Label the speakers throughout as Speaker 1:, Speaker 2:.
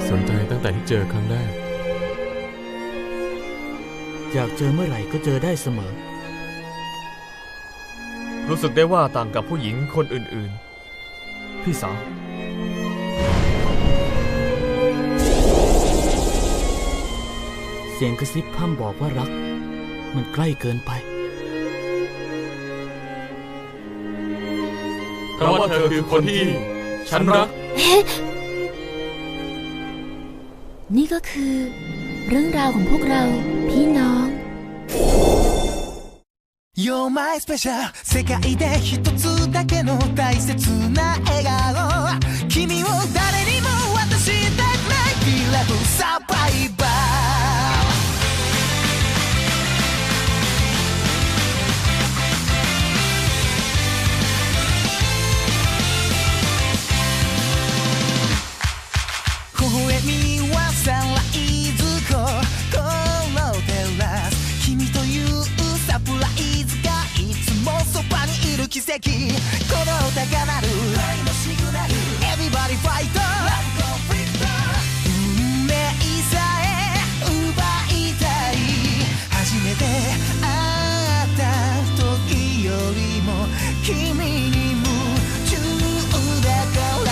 Speaker 1: สนใจตั้งแต่ที่เจอครั้งแรก
Speaker 2: อยากเจอเมื่อไหร่ก็เจอได้เสมอ
Speaker 1: รู้สึกได้ว่าต่างกับผู้หญิงคนอื่นๆพี่สาว
Speaker 2: เสียงกระซิบพร่ำบอกว่ารักมันใกล้เกินไป
Speaker 1: เพราะว่าเธอคือคนที่ฉันรัก
Speaker 3: นี่ก็คือเรื่องราวของพวกเราพี่น้อง
Speaker 4: You're my special 世界で一つだけの大切な笑顔君を誰にも渡したくない We love survivor微笑みはサンライズコロテラス君というサプライズがいつもそばにいる奇跡この歌が鳴る Everybody fight 運命さえ奪いたい初めて会った時よりも君に夢中だから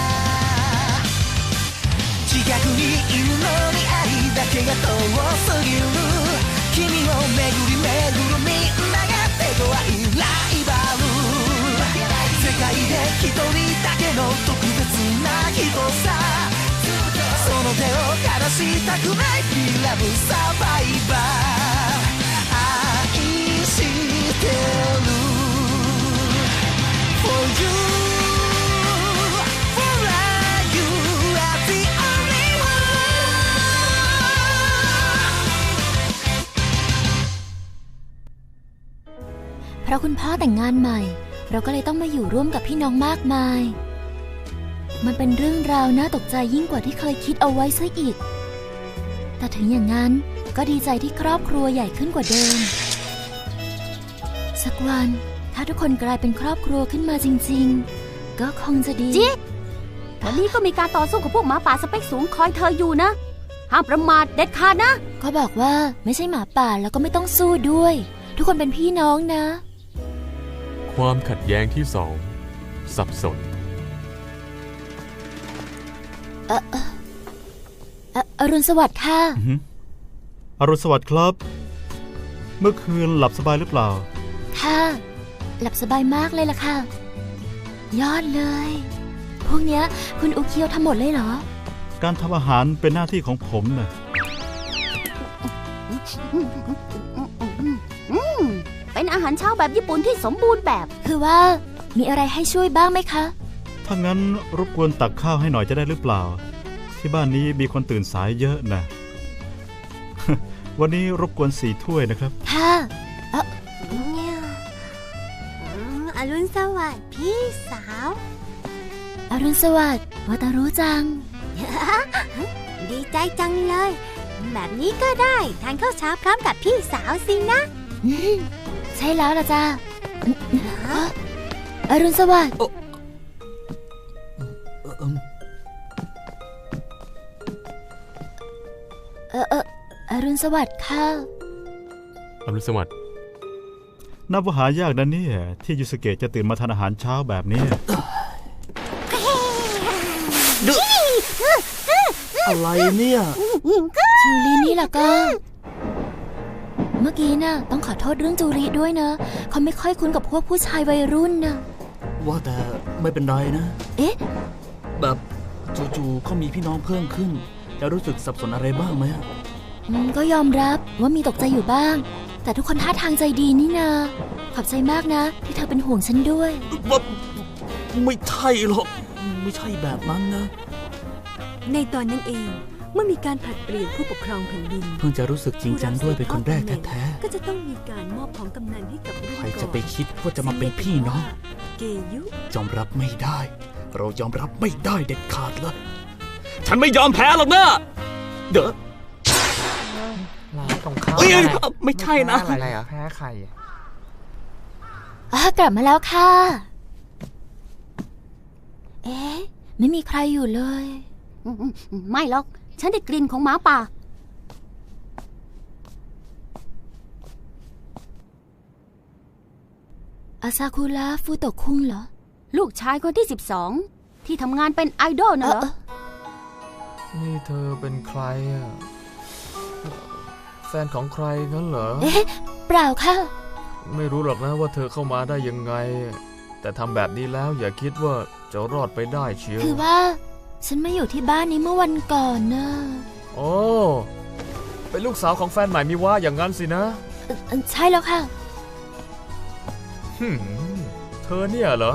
Speaker 4: 近くにいるのに愛だけが遠すぎる君を巡り巡るみんなが手強いライバル世界で一人だけの特別な人さその手を離したくない We love survivor 愛してる For you
Speaker 3: เพราะคุณพ่อแต่งงานใหม่เราก็เลยต้องมาอยู่ร่วมกับพี่น้องมากมายมันเป็นเรื่องราวน่าตกใจยิ่งกว่าที่เคยคิดเอาไว้ซะอีกแต่ถึงอย่างนั้นก็ดีใจที่ครอบครัวใหญ่ขึ้นกว่าเดิมสักวันถ้าทุกคนกลายเป็นครอบครัวขึ้นมาจริงๆก็คงจะดี
Speaker 5: จิ๊กวันนี้ก็มีการต่อสู้กับพวกหมาป่าสเปคสูงคอยเธออยู่นะห้ามประมาทเด็ดขาดนะ
Speaker 3: เขาบอกว่าไม่ใช่หมาป่าแล้วก็ไม่ต้องสู้ด้วยทุกคนเป็นพี่น้องนะ
Speaker 1: ความขัดแย้งที่สองสับสน
Speaker 3: อรุณสวัสดิ์ค่ะ
Speaker 6: อรุณสวัสดิ์ครับเมื่อคืนหลับสบายหรือเปล่า
Speaker 3: ค่ะหลับสบายมากเลยล่ะค่ะยอดเลยพวกเนี้ยคุณอุเคียวทำหมดเลยเหรอ
Speaker 6: การทำอาหารเป็นหน้าที่ของผมน่ะ
Speaker 5: เป็นอาหารเช้าแบบญี่ปุ่นที่สมบูรณ์แบบ
Speaker 3: คือว่ามีอะไรให้ช่วยบ้างไหมคะ
Speaker 6: ถ้างั้นรบกวนตักข้าวให้หน่อยจะได้หรือเปล่าที่บ้านนี้มีคนตื่นสายเยอะนะ วันนี้รบกวน4 ถ้วยนะครับ
Speaker 3: ค่ะ
Speaker 5: อรุณสวัสดิ์พี่สาว
Speaker 3: อรุณสวัสดิ์วาตารุจัง
Speaker 5: ดีใจจังเลยแบบนี้ก็ได้ทานข้าวเช้าพร้อมกับพี่สาวสินะ
Speaker 3: ใช่แล้วล่ะจ้าอรุณสวัสดิ์อรุณสวัสดิ์ค่ะ
Speaker 1: อรุณสวัสดิ์
Speaker 6: นับว่าหายากนะเนี่ยที่ยูสเกะจะตื่นมาทานอาหารเช้าแบบนี้
Speaker 2: อะไรเนี่ย
Speaker 3: จูรินี่ล่ะก็เมื่อกี้น่ะต้องขอโทษเรื่องจูริด้วยนะเขาไม่ค่อยคุ้นกับพวกผู้ชายวัยรุ่นนะ
Speaker 2: ว่าแต่ไม่เป็นไรนะ
Speaker 3: เอ๊ะ
Speaker 2: แบบจู่ๆเขามีพี่น้องเพิ่มขึ้นแล้วรู้สึกสับสนอะไรบ้างไหม
Speaker 3: ก็ยอมรับว่ามีตกใจอยู่บ้างแต่ทุกคนท่าทางใจดีนี่นาขอบใจมากนะที่เธอเป็นห่วงฉันด้วย
Speaker 2: ไม่ใช่หรอกไม่ใช่แบบนั้นนะ
Speaker 7: ในตอนนั้นเองเมื่อมีการผลัดเปลี่ยนผู้ปกครองแผ่นดิน
Speaker 2: เพิ่งจะรู้สึกจริงจังด้วยเป็นคนแรกแท้
Speaker 7: ๆก็จะต้องมีการมอบของกำนันให้กับ
Speaker 2: ใครจะไปคิดว่าจะมาเป็นพี่น้อง
Speaker 7: เกยุ
Speaker 2: ยอมรับไม่ได้เรายอมรับไม่ได้เด็ดขาดเลยฉันไม่ยอมแพ้หรอกนะเด้อ
Speaker 8: ตรงข้าม
Speaker 2: ไม่ใช่นะ
Speaker 8: อะไรอ่ะแพ้ใคร
Speaker 3: กลับมาแล้วค่ะเอ๊ะไม่มีใครอยู่เลย
Speaker 5: ไม่หรอก ฉันได้กลิ่นของหมาป่า
Speaker 3: อาซากุระฟูโตะคุงเหรอ
Speaker 5: ลูกชายคนที่12ที่ทำงานเป็นไอดอลน่ะเหรอ
Speaker 1: นี่เธอเป็นใครอ่ะ แฟนของใครงั้นเหรอ
Speaker 3: เอ๊ะ เปล่าค่ะ
Speaker 1: ไม่รู้หรอกนะว่าเธอเข้ามาได้ยังไง แต่ทำแบบนี้แล้วอย่าคิดว่าจะรอดไปได้เชียว
Speaker 3: คือว่า ฉันมาอยู่ที่บ้านนี้เมื่อวันก่อนนะ
Speaker 1: โอ้เป็นลูกสาวของแฟนใหม่มีว่าอย่างนั้นสินะ
Speaker 3: ใช่แล้วค่ะ
Speaker 1: เธอเนี่ยเหรอ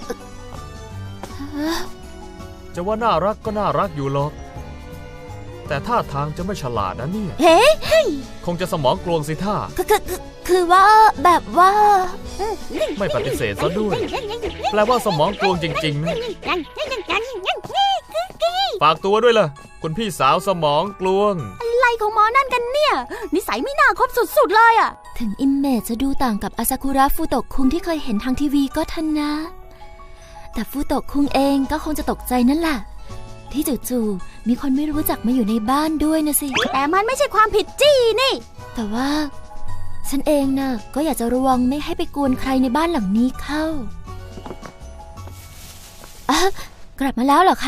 Speaker 1: จะว่าน่ารักก็น่ารักอยู่หรอก แต่ท่าทางจะไม่ฉลาดนะเนี่ย
Speaker 3: เฮ้
Speaker 1: คงจะสมองกลวงสิท่า
Speaker 3: คือว่าแบบว่า
Speaker 1: ไม่ปฏิเสธซะด้วย แปลว่าสมองกลวงจริงๆนะฝากตัวด้วยล่ะ คุณพี่สาวสมองกลวง
Speaker 5: อะไรของหมอนั่นกันเนี่ย นิสัยไม่น่าคบสุดๆเลยอ่ะ
Speaker 3: ถึงอิมเมจจะดูต่างกับอาซากุระฟูโตะคุงที่เคยเห็นทางทีวีก็ทันนะ แต่ฟูโตะคุงเองก็คงจะตกใจนั่นแหละที่จู่ๆมีคนไม่รู้จักมาอยู่ในบ้านด้วยนะสิ
Speaker 5: แต่มันไม่ใช่ความผิดจี้นี่
Speaker 3: แต่ว่า ฉันเองน่ะก็อยากจะระวังไม่ให้ไปกวนใครในบ้านหลังนี้เข้า กลับมาแล้วเหรอคะ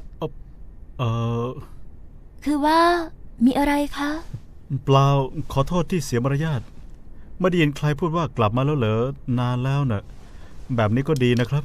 Speaker 3: คือว่ามีอะไรคะ
Speaker 6: เปล่าขอโทษที่เสียมารยาทไม่ได้ยินใครพูดว่ากลับมาแล้วเหรอนานแล้วน่ะแบบนี้ก็ดีนะครับ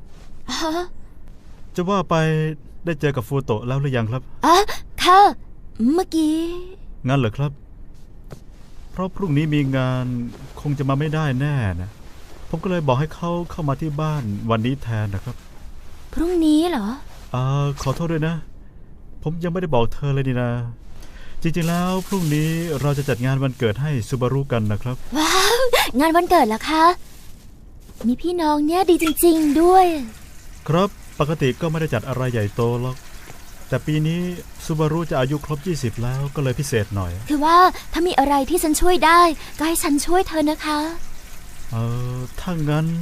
Speaker 6: จะว่าไปได้เจอกับฟูโตะแล้วหรือยังครับ
Speaker 3: ค่ะ เมื่อกี้
Speaker 6: งั้นเหรอครับ เพราะพรุ่งนี้มีงานคงจะมาไม่ได้แน่นะผมก็เลยบอกให้เขาเข้ามาที่บ้านวันนี้แทนนะครับ
Speaker 3: พรุ่งนี้เหรอ
Speaker 6: ขอโทษด้วยนะผมยังไม่ได้บอกเธอเลยนี่นะจริงๆแล้วพรุ่งนี้เราจะจัดงานวันเกิดให้ซูบารุกันนะครับ
Speaker 3: ว้าว งานวันเกิดเหรอคะ มีพี่น้องเนี่ยดีจริงๆด้วย
Speaker 6: ครับปกติก็ไม่ได้จัดอะไรใหญ่โตหรอกแต่ปีนี้ซูบารุจะอายุครบ20แล้วก็เลยพิเศษหน่อย
Speaker 3: คือว่าถ้ามีอะไรที่ฉันช่วยได้ก็ให้ฉันช่วยเธอนะคะ
Speaker 6: ถ้างั้น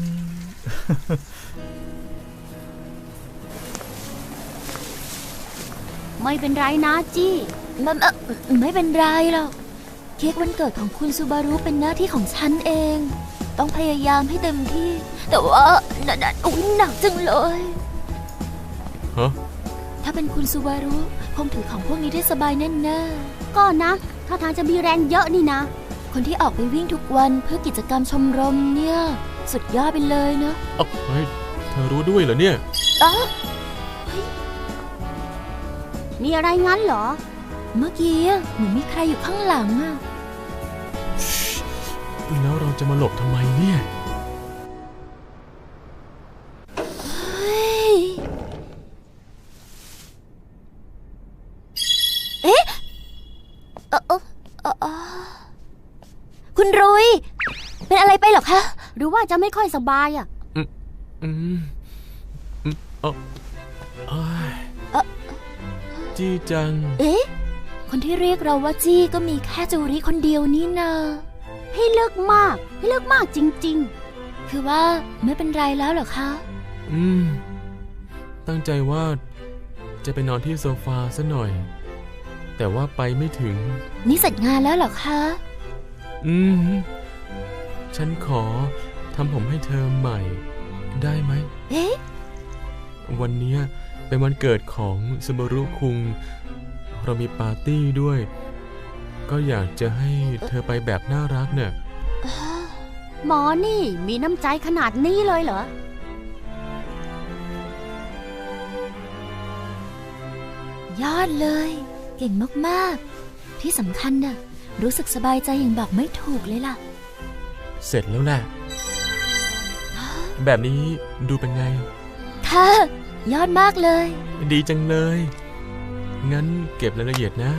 Speaker 5: ไม่เป็นไรนะจี้
Speaker 3: ไม่เป็นไรหรอกเค้กวันเกิดของคุณซูบารุเป็นหน้าที่ของฉันเอง ต้องพยายามให้เต็มที่ แต่ว่าหนักจังเลย
Speaker 1: ฮะ
Speaker 3: ถ้าเป็นคุณซูบารุคงถือของพวกนี้ได้สบายแน่ๆ
Speaker 5: ก็นะถ้าทางจะมีแรงเยอะนี่นะ
Speaker 3: คนที่ออกไปวิ่งทุกวันเพื่อกิจกรรมชมรมเนี่ยสุดยอดไปเลยเนาะ
Speaker 1: เฮ้ยเธอรู้ด้วยเหรอเนี่ย
Speaker 5: มีอะไรงั้นเหรอ
Speaker 3: เมื่อกี้เหมือนมีใครอยู่ข้างหลังอะ
Speaker 1: แล้วเราจะมาหลบทำไมเนี่ย
Speaker 3: คุณรุยเป็นอะไรไปหรอคะ
Speaker 5: หรือว่าจะไม่ค่อยสบายอ่ะ
Speaker 1: จี้จัง
Speaker 3: คนที่เรียกเราว่าจี้ก็มีแค่จูริคนเดียวนี่นา
Speaker 5: ให้เลิกมากจริง
Speaker 3: ๆคือว่าไม่เป็นไรแล้วเหรอคะ
Speaker 1: ตั้งใจว่าจะไปนอนที่โซฟาซะหน่อยแต่ว่าไปไม่ถึง
Speaker 3: นี่เสร็จงานแล้วเหรอคะ
Speaker 1: ฉันขอทำผมให้เธอใหม่ได้ไหมวันนี้เป็นวันเกิดของซูบารุคุงเรามีปาร์ตี้ด้วยก็อยากจะให้เธอไปแบบน่ารักเนี่ย
Speaker 5: หมอนี่มีน้ำใจขนาดนี้เลยเหรอ
Speaker 3: ยอดเลยเก่งมากๆที่สำคัญน่ะรู้สึกสบายใจอย่างบอกไม่ถูกเลยล่ะ
Speaker 1: เสร็จแล้วแหละแบบนี้ดูเป็นไง
Speaker 3: ค่ะยอดมากเลย
Speaker 1: ดีจังเลยงั้นเก็บรายละเอียดนะ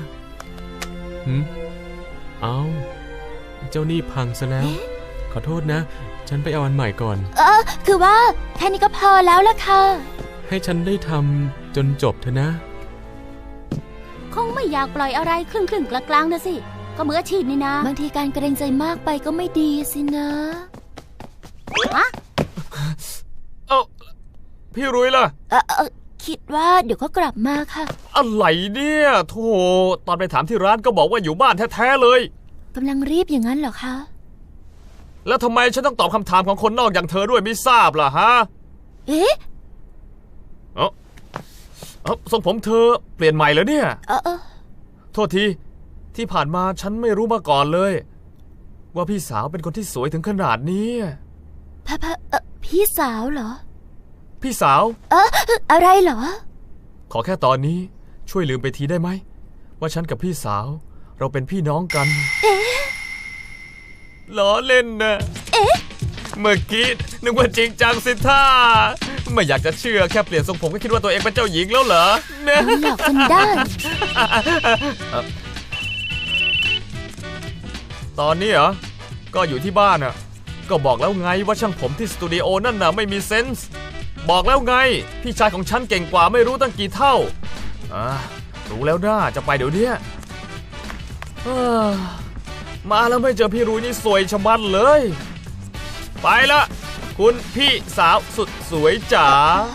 Speaker 1: เอาเจ้านี่พังซะแล้วขอโทษนะฉันไปเอาอันใหม่ก่อน
Speaker 3: คือว่าแค่นี้ก็พอแล้วล่ะค่ะ
Speaker 1: ให้ฉันได้ทำจนจบเถอะนะ
Speaker 5: คงไม่อยากปล่อยอะไรครึ่งกลางๆนะสิก็มืออาชีพนี่นะ
Speaker 3: บางทีการเกรงใจมากไปก็ไม่ดีสินะ
Speaker 5: ฮะ
Speaker 1: พี่รุยล่ะ
Speaker 3: คิดว่าเดี๋ยวก็กลับมาค่ะ
Speaker 2: อะไรเนี่ยโธ่ตอนไปถามที่ร้านก็บอกว่าอยู่บ้านแท้ๆเลย
Speaker 3: กำลังรีบอย่างนั้นเหรอคะ
Speaker 2: แล้วทำไมฉันต้องตอบคำถามของคนนอกอย่างเธอด้วยไม่ทราบล่ะฮะ
Speaker 3: เอ๊ะ
Speaker 2: ทรงผมเธอเปลี่ยนใหม่แล้วเนี่ย โทษทีที่ผ่านมาฉันไม่รู้มาก่อนเลย ว่าพี่สาวเป็นคนที่สวยถึงขนาดนี้
Speaker 3: พี่สาวเหรอ
Speaker 2: พี่สาว
Speaker 3: อะไรเหรอ
Speaker 2: ขอแค่ตอนนี้ช่วยลืมไปทีได้ไหมว่าฉันกับพี่สาวเราเป็นพี่น้องกันล้อเล่นนะเมื่อกี้นึกว่าจริงจังสิท่าไม่อยากจะเชื่อแค่เปลี่ยนทรงผมก็คิดว่าตัวเองเป็นเจ้าหญิงแล้วเหรอเนี่ย
Speaker 3: หลอกกันได้
Speaker 2: ตอนนี้เหรอก็อยู่ที่บ้านอ่ะก็บอกแล้วไงว่าช่างผมที่สตูดิโอนั่นน่ะไม่มีเซนส์บอกแล้วไงพี่ชายของฉันเก่งกว่าไม่รู้ตั้งกี่เท่ารู้แล้วนะจะไปเดี๋ยวนี้มาแล้วไม่เจอพี่รุ้ยนี่สวยชะมัดเลยไปละคุณพี่สาวสุดสวยจ๋า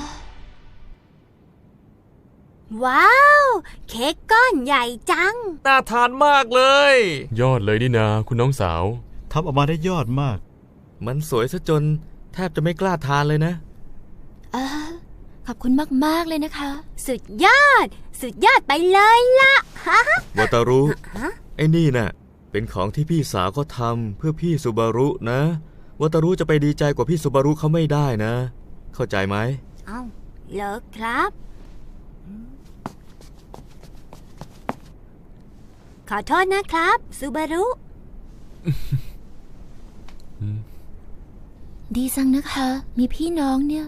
Speaker 5: ว้าว เค้กก้อนใหญ่จัง
Speaker 2: น่าทานมากเลย
Speaker 1: ยอดเลยนี่นาคุณน้องสาว
Speaker 6: ทำออกมาได้ยอดมาก
Speaker 8: มันสวยซะจนแทบจะไม่กล้าทานเลยนะ
Speaker 3: ขอบคุณมากๆเลยนะคะ
Speaker 5: สุดยอด สุดยอดไปเลยล่ะ
Speaker 8: วาตารุ ไอ้นี่น่ะเป็นของที่พี่สาวเขาทำเพื่อพี่ซูบารุนะวาตารุจะไปดีใจกว่าพี่ซูบารุเขาไม่ได้นะ เข้าใจไหม
Speaker 5: เอ้าเหรอครับ ขอโทษนะครับซูบารุ
Speaker 3: ดีจังนะคะ มีพี่น้องเนี่ย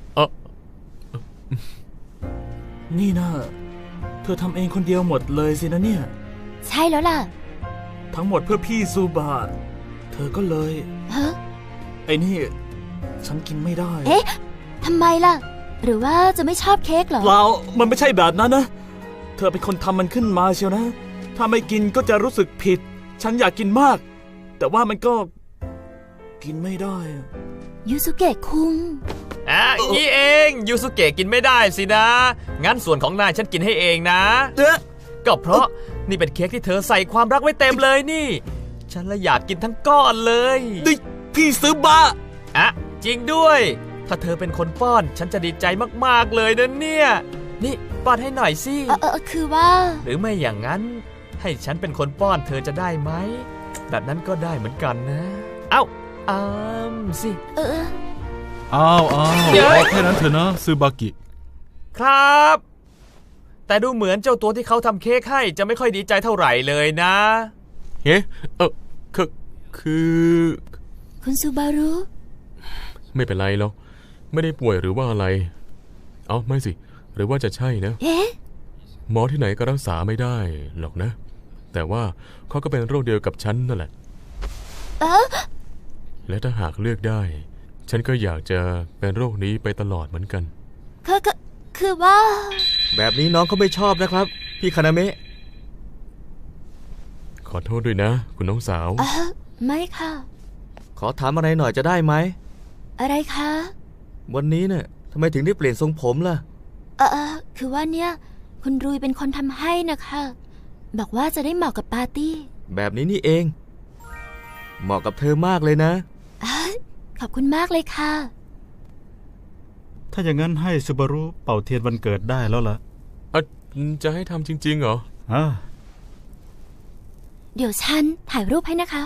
Speaker 2: นี่นะเธอทำเองคนเดียวหมดเลยสินะเนี่ย
Speaker 3: ใช่แล้วล่ะ
Speaker 2: ทั้งหมดเพื่อพี่ซูบะเธอก็เลย
Speaker 3: ฮะ
Speaker 2: ไอ้นี่ฉันกินไม่ได้
Speaker 3: เอ๊ะทำไมล่ะ หรือว่าจะไม่ชอบเค้กเหรอ
Speaker 2: เปล่ามันไม่ใช่แบบนั้นนะเธอเป็นคนทำมันขึ้นมาเชียวนะ ถ้าไม่กินก็จะรู้สึกผิด ฉันอยากกินมาก แต่ว่ามันก็กินไม่ได้
Speaker 3: ยูสุเกะคุง
Speaker 2: นี่เองยูสุเกะกินไม่ได้สินะงั้นส่วนของนายฉันกินให้เองนะก็เพราะนี่เป็นเค้กที่เธอใส่ความรักไว้เต็มเลยนี่ ฉันละอยากกินทั้งก้อนเลยนี่พี่ซื้อบะจริงด้วยถ้าเธอเป็นคนป้อนฉันจะดีใจมากๆเลยนะเนี่ยนี่ป้อนให้หน่อยสิ
Speaker 3: คือว่า
Speaker 2: หรือไม่อย่างนั้นให้ฉันเป็นคนป้อนเธอจะได้ไหมแบบนั้นก็ได้เหมือนกันนะเอ้าสิ
Speaker 9: อ้าวพอแค่นั้นเถอะนะซึบากิ
Speaker 2: ครับแต่ดูเหมือนเจ้าตัวที่เขาทำเค้กให้จะไม่ค่อยดีใจเท่าไหร่เลยนะ
Speaker 1: เฮ้คือ
Speaker 3: คุณซูบารุ
Speaker 1: ไม่เป็นไรหรอกไม่ได้ป่วยหรือว่าอะไรไม่สิหรือว่าจะใช่นะหมอที่ไหนก็รักษาไม่ได้หรอกนะแต่ว่าเขาก็เป็นโรคเดียวกับฉันนั่นแหละและถ้าหากเลือกได้ฉันก็อยากจะเป็นโรคนี้ไปตลอดเหมือนกัน
Speaker 3: คือว่า
Speaker 8: แบบนี้น้องเขาไม่ชอบนะครับพี่คานาเมะ
Speaker 1: ขอโทษด้วยนะคุณน้องสาว
Speaker 3: ไม่ค่ะ
Speaker 8: ขอถามอะไรหน่อยจะได้ไหม
Speaker 3: อะไรคะ
Speaker 8: วันนี้เนี่ยทำไมถึงได้เปลี่ยนทรงผมล่ะ
Speaker 3: คือว่าเนี่ยคุณรุยเป็นคนทำให้นะคะบอกว่าจะได้เหมาะกับปาร์ตี้
Speaker 8: แบบนี้นี่เองเหมาะกับเธอมากเลยนะ
Speaker 3: ขอบคุณมากเลยค่ะ
Speaker 6: ถ้าอย่างนั้นให้ซูบารุเป่าเทียนวันเกิดได้แล้วล่ะ
Speaker 1: จะให้ทำจริงๆเหรอ
Speaker 3: เดี๋ยวฉันถ่ายรูปให้นะคะ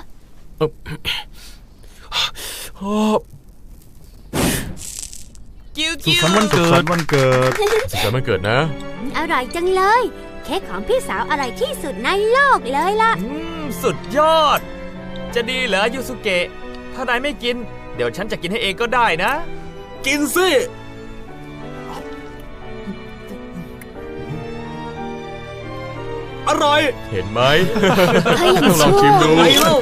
Speaker 9: สุขสันต์วันเกิด
Speaker 1: สุขสันต์วันเกิดนะ
Speaker 5: อร่อยจังเลยเค้กของพี่สาวอร่อยที่สุดในโลกเลยล่ะ
Speaker 2: สุดยอดจะดีเหรอยูสุเกะถ้านายไม่กินเดี๋ยวฉันจะกินให้เองก็ได้นะกินสิอร่อย
Speaker 1: เห็นไหม
Speaker 3: ลองชิมดู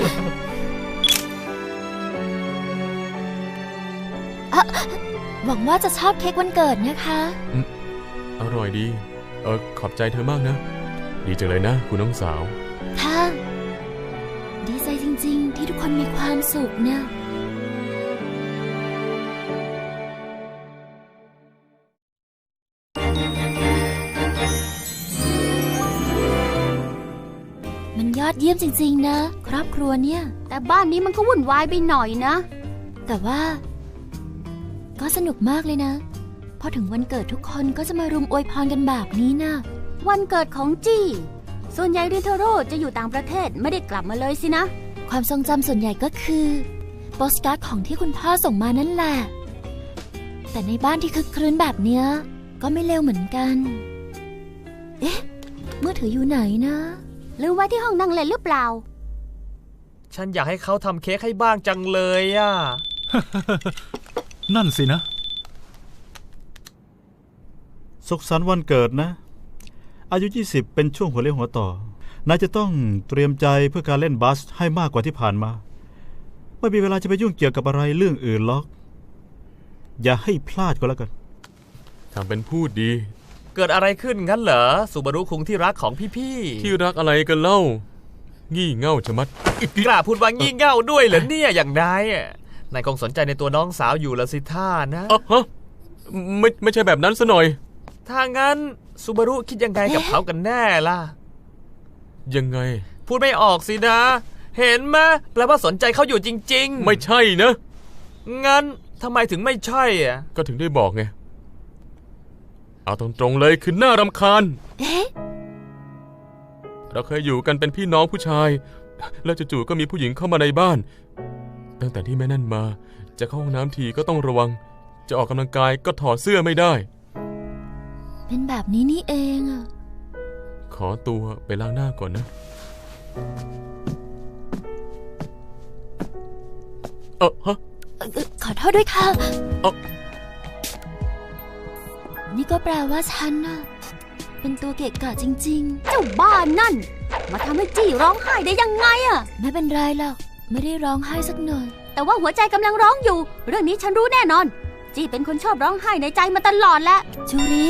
Speaker 3: หวังว่าจะชอบเค้กวันเกิดนะคะ
Speaker 1: อร่อยดีขอบใจเธอมากนะดีจังเลยนะคุณน้องสาว
Speaker 3: ค่ะดีใจจริงๆที่ทุกคนมีความสุขเนี่ยอดเยี่ยมจริงๆนะครอบครัวเนี่ย
Speaker 5: แต่บ้านนี้มันก็วุ่นวายไปหน่อยนะ
Speaker 3: แต่ว่าก็สนุกมากเลยนะพอถึงวันเกิดทุกคนก็จะมารุมอวยพรกันแบบนี้นะ
Speaker 5: วันเกิดของจี้ส่วนใหญ่รินโทโร่จะอยู่ต่างประเทศไม่ได้กลับมาเลยสินะ
Speaker 3: ความทรงจำส่วนใหญ่ก็คือโปสการ์ดของที่คุณพ่อส่งมานั่นแหละแต่ในบ้านที่คึกครื้นแบบเนี้ยก็ไม่เลวเหมือนกันเอ๊ะมือถืออยู่ไหนนะ
Speaker 5: ลืมไว้ที่ห้องนั่งเล่นหรือเปล่า
Speaker 2: ฉันอยากให้เขาทำเค้กให้บ้างจังเลยอ่ะ
Speaker 9: นั่นสินะ
Speaker 6: สุขสันต์วันเกิดนะอายุ20เป็นช่วงหัวเลี้ยวหัวต่อนายจะต้องเตรียมใจเพื่อการเล่นบาสให้มากกว่าที่ผ่านมาไม่มีเวลาจะไปยุ่งเกี่ยวกับอะไรเรื่องอื่นหรอกอย่าให้พลาดก็แล้วกัน
Speaker 1: ทำเป็นพูดดี
Speaker 2: เกิดอะไรขึ้นงั้นเหรอซูบารุคุงที่รักของพี่ๆ
Speaker 1: ที่รักอะไรกันเล่างี่เง่าชะมัด
Speaker 2: กล้าพูดว่างี่เง่าด้วยเหรอเนี่ยอย่างนายนายคงสนใจในตัวน้องสาวอยู่ละสิท่านะ
Speaker 1: ฮะไม่ใช่แบบนั้นซะหน่อย
Speaker 2: ถ้างั้นซูบารุคิดยังไงกับเขากันแน่ล่ะ
Speaker 1: ยังไง
Speaker 2: พูดไม่ออกสินะเห็นไหมแปลว่าสนใจเขาอยู่จริง
Speaker 1: ๆไม่ใช่นะ
Speaker 2: งั้นทำไมถึงไม่ใช่อ่ะ
Speaker 1: ก็ถึงได้บอกไงเอาตรงๆเลยคือน่ารำคาญเราเคยอยู่กันเป็นพี่น้องผู้ชายแล้วจู่ๆก็มีผู้หญิงเข้ามาในบ้านตั้งแต่ที่แม่นั่นมาจะเข้าห้องน้ำทีก็ต้องระวังจะออกกำลังกายก็ถอดเสื้อไม่ได้
Speaker 3: เป็นแบบนี้นี่เองอ่ะ
Speaker 1: ขอตัวไปล้างหน้าก่อนนะฮะ
Speaker 3: ขอโทษด้วยค่ะนี่ก็แปลว่าฉันน่ะเป็นตัวเกะกะจริงๆ
Speaker 5: เจ้าบ้านนั่นมาทำให้จี้ร้องไห้ได้ยังไงอ่ะ
Speaker 3: ไม่เป็นไรหรอกไม่ได้ร้องไห้สักหน่อย
Speaker 5: แต่ว่าหัวใจกำลังร้องอยู่เรื่องนี้ฉันรู้แน่นอนจี้เป็นคนชอบร้องไห้ในใจมาตลอดแล้ว
Speaker 3: ชูริ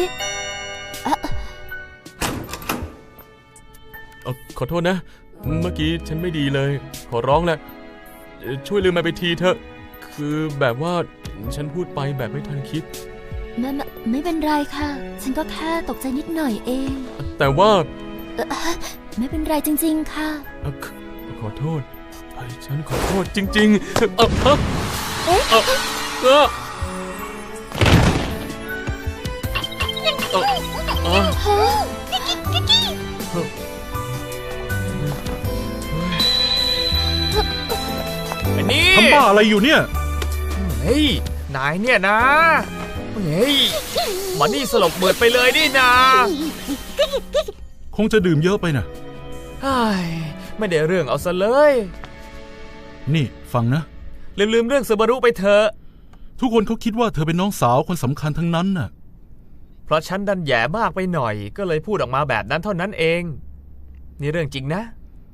Speaker 1: ขอโทษนะเมื่อกี้ฉันไม่ดีเลยขอร้องแหละช่วยลืมมาไปทีเถอะคือแบบว่าฉันพูดไปแบบไม่ทันคิด
Speaker 3: ไม่เป็นไรค่ะฉันก็แค่ตกใจนิดหน่อยเอง
Speaker 1: แต่ว่า
Speaker 3: ไม่เป็นไรจริงๆค่ะ
Speaker 1: ขอโทษฉันขอโทษจริงๆ
Speaker 2: นี่
Speaker 9: ทำบ้าอะไรอยู่เนี่ย
Speaker 2: เฮ้ยนายเนี่ยนะเฮ้ยมันนี่สลบเหมือดไปเลยนี่นะ
Speaker 9: คงจะดื่มเยอะไปนะ
Speaker 2: ไม่ได้เรื่องเอาซะเลย
Speaker 9: นี่ฟังนะ
Speaker 2: ลืมเรื่องซูบารุไปเถอะ
Speaker 9: ทุกคนเขาคิดว่าเธอเป็นน้องสาวคนสำคัญทั้งนั้นน่ะ
Speaker 2: เพราะฉันดันแย่มากไปหน่อยก็เลยพูดออกมาแบบนั้นเท่านั้นเองนี่เรื่องจริงนะ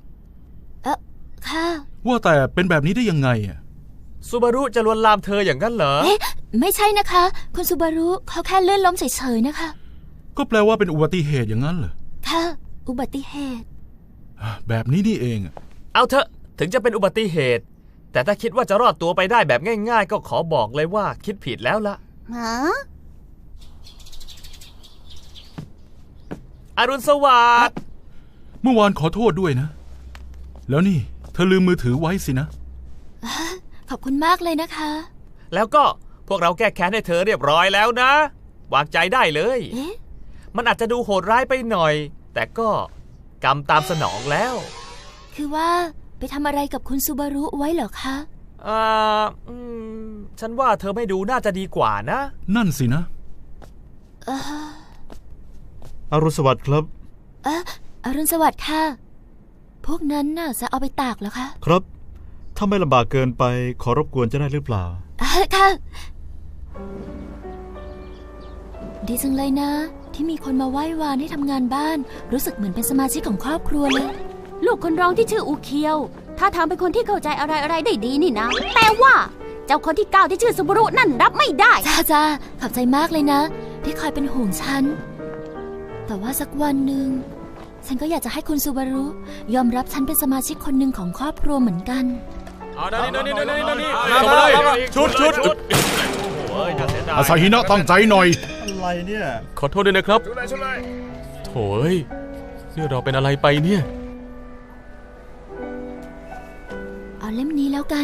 Speaker 3: ค่ะ
Speaker 9: ว่าแต่เป็นแบบนี้ได้ยังไงอ่ะ
Speaker 2: ซูบารุจะลวนลามเธออย่างนั้นเหรอ
Speaker 3: ไม่ใช่นะคะคุณซูบารุเขาแค่เลื่อนล้มเฉยๆนะคะ
Speaker 9: ก็แปลว่าเป็นอุบัติเหตุอย่างนั้นเหรอ
Speaker 3: ค่ะอุบัติเหตุ
Speaker 9: แบบนี้นี่เอง
Speaker 2: เอาเถอะถึงจะเป็นอุบัติเหตุแต่ถ้าคิดว่าจะรอดตัวไปได้แบบง่ายๆก็ขอบอกเลยว่าคิดผิดแล้วล่ะอรุณสวัสดิ์
Speaker 9: เมื่อวานขอโทษด้วยนะแล้วนี่เธอลืมมือถือไว้สินะ
Speaker 3: ขอบคุณมากเลยนะคะ
Speaker 2: แล้วก็พวกเราแก้แค้นให้เธอเรียบร้อยแล้วนะวางใจได้เลยมันอาจจะดูโหดร้ายไปหน่อยแต่ก็กรรมตามสนองแล้ว
Speaker 3: คือว่าไปทำอะไรกับคุณซูบารุไว้เหรอคะ
Speaker 2: ฉันว่าเธอไม่ดูน่าจะดีกว่านะ
Speaker 9: นั่นสินะ
Speaker 6: อรุณสวัสดิ์ครับ
Speaker 3: อรุณสวัสดิ์ค่ะพวกนั้นน่ะจะเอาไปตากเหรอคะ
Speaker 6: ครับถ้าไม่ลำบากเกินไปขอรบกวนจะได้หรือเปล่า
Speaker 3: ค่ะดีจังเลยนะที่มีคนมาไหว้วานให้ทำงานบ้านรู้สึกเหมือนเป็นสมาชิกของครอบครัวเลย
Speaker 5: ลูกคนรองที่ชื่ออูเคียวถ้าทางเป็นคนที่เข้าใจอะไรได้ดีนี่นะแต่ว่าเจ้าคนที่9ที่ชื่อซูบารุนั่นรับไม่ได้
Speaker 3: จ้าขอบใจมากเลยนะที่คอยเป็นห่วงฉันแต่ว่าสักวันหนึ่งฉันก็อยากจะให้คุณซูบารุยอมรับฉันเป็นสมาชิกคนหนึ่งของครอบครัวเหมือนกัน
Speaker 1: ชุด
Speaker 9: อาซาฮินะตั้งใจหน่อย
Speaker 6: อะไรเนี่ย
Speaker 1: ขอโทษด้วยนะครับโถ่นี่เราเป็นอะไรไปเนี่ย
Speaker 3: แล้วกัน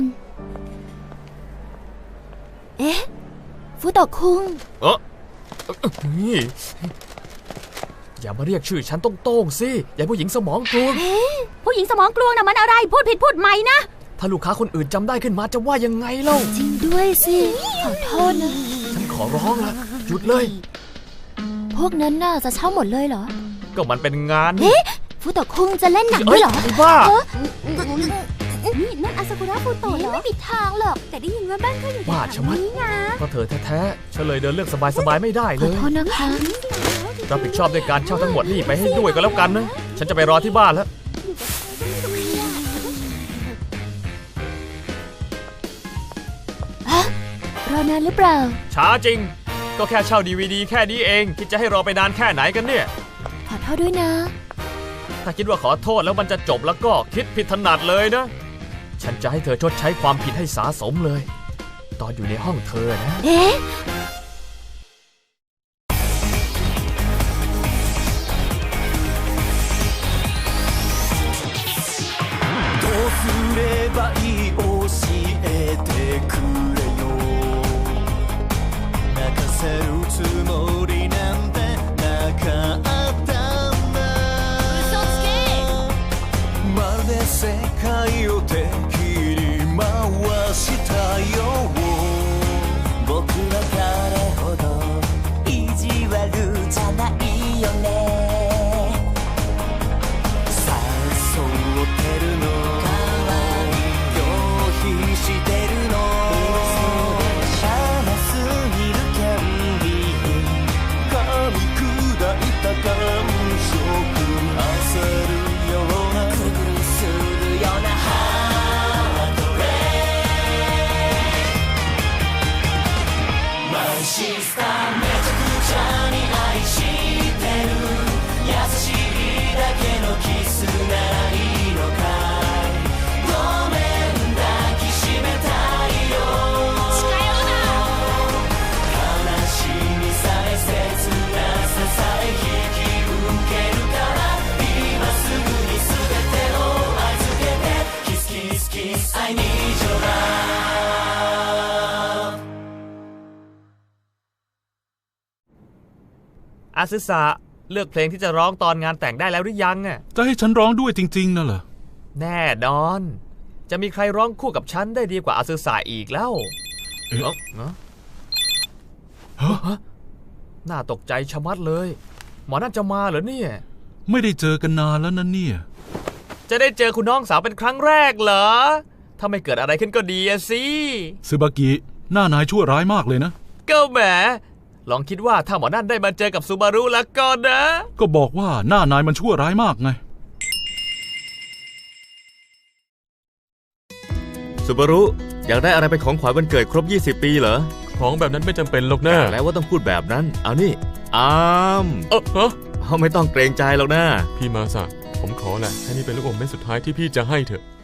Speaker 3: เอ๊ะ ฟูโตะคุง
Speaker 2: นี่อย่ามาเรียกชื่อฉันโต้งๆสิอย่าผู้หญิงสมองกลวง
Speaker 5: ผู้หญิงสมองกลวงน่ะมันอะไรพูดผิดพูดใหม่นะ
Speaker 2: ถ้าลูกค้าคนอื่นจำได้ขึ้นมาจะว่ายังไงเล่า
Speaker 3: จริงด้วยสิ ขอโทษนะ
Speaker 2: ฉันขอร้องละหยุดเลย
Speaker 3: พวกนั้นน่าจะเช่าหมดเลยเหรอ
Speaker 2: ก็มันเป็นงาน
Speaker 3: เอ๊ะ ฟูโตะคุงจะเล่นหนังด้วยเหรอ
Speaker 2: ไอ้บ้า
Speaker 5: นี่นั่นอาซากุระฟูโตะเหรอ
Speaker 3: ไม่มีทางหรอก
Speaker 5: แต่ได้ยินว่าบ้านเขาอยู่
Speaker 2: บ้าชะมัด
Speaker 5: นี่ไง
Speaker 2: เพราะเธอแท้ๆฉันเลยเดินเลือกสบายๆไม่ได้
Speaker 3: ข
Speaker 2: เล
Speaker 3: อย โทษนะคะ
Speaker 2: รับผิดชอบด้วยการเช่าทั้งหมดนี่ไปให้ด้วยก็แล้วกันนะ ฉันจะไปรอที่บ้านแล้ว
Speaker 3: รอนานหรือเปล่า
Speaker 2: ช้าจริง ก็แค่เช่าDVD แค่นี้เองคิดจะให้รอไปนานแค่ไหนกันเนี่ย
Speaker 3: ขอโทษด้วยนะ
Speaker 2: ถ้าคิดว่าขอโทษแล้วมันจะจบแล้วก็คิดผิดถนัดเลยนะ ฉันจะให้เธอชดใช้ความผิดให้สาสมเลย ตอนอยู่ในห้องเธอนะ
Speaker 3: เอ๊ะ
Speaker 4: どうすればいい教えてくれよ泣かせるつもりなんてなかったんだ嘘つけまるで世界を敵に回したよ僕は彼ほど意地悪じゃないよね誘ってるの拒否してるの邪魔すぎる権利噛み砕いた感触焦るようなぐるぐるするようなハートレマイシスターめちゃくちゃに愛してる優しいだけのキスならいいのかいごめん抱きしめたいよ近寄るな悲しみさえ切なささえ引き受けるから今すぐに全てを預けてキスキスキス I need your love
Speaker 2: อาซึสะเลือกเพลงที่จะร้องตอนงานแต่งได้แล้วหรือยังอะ
Speaker 9: จะให้ฉันร้องด้วยจริงๆน่ะเหรอ
Speaker 2: แน่นอน จะมีใครร้องคู่กับฉันได้ดีกว่าอาซึสะอีกแล้ว
Speaker 9: เอ๊ะ
Speaker 2: เอ้า
Speaker 9: ฮะ
Speaker 2: น่าตกใจชะมัดเลย หมอนั่นจะมาเหรอเนี่ย
Speaker 9: ไม่ได้เจอกันนานแล้วนะเนี่ย
Speaker 2: จะได้เจอคุณน้องสาวเป็นครั้งแรกเหรอ ถ้าไม่เกิดอะไรขึ้นก็ดีอะสิ
Speaker 9: ซึบากิ หน้านายชั่วร้ายมากเลยนะ
Speaker 2: ก็แหม ลองคิดว่าถ้าหมอนั่นได้มาเจอกับซูบารุแล้วก็นะ
Speaker 9: ก็บอกว่าหน้านายมันชั่วร้ายมากไง
Speaker 8: สุบารุอยากได้อะไรเป็นของขวัญวันเกิดครบ 20 ปีเหรอ
Speaker 1: ของแบบนั้นไม่จำเป็นหรอกนะ
Speaker 8: แล้วว่าต้องพูดแบบนั้น เอานี่อาม
Speaker 1: ฮะ
Speaker 8: เขาไม่ต้องเกรงใจหรอกนะ
Speaker 1: พี่มาสะผมขอแหละให้นี่เป็นลูกอมเม็ดสุดท้ายที่พี่จะให้เถอะ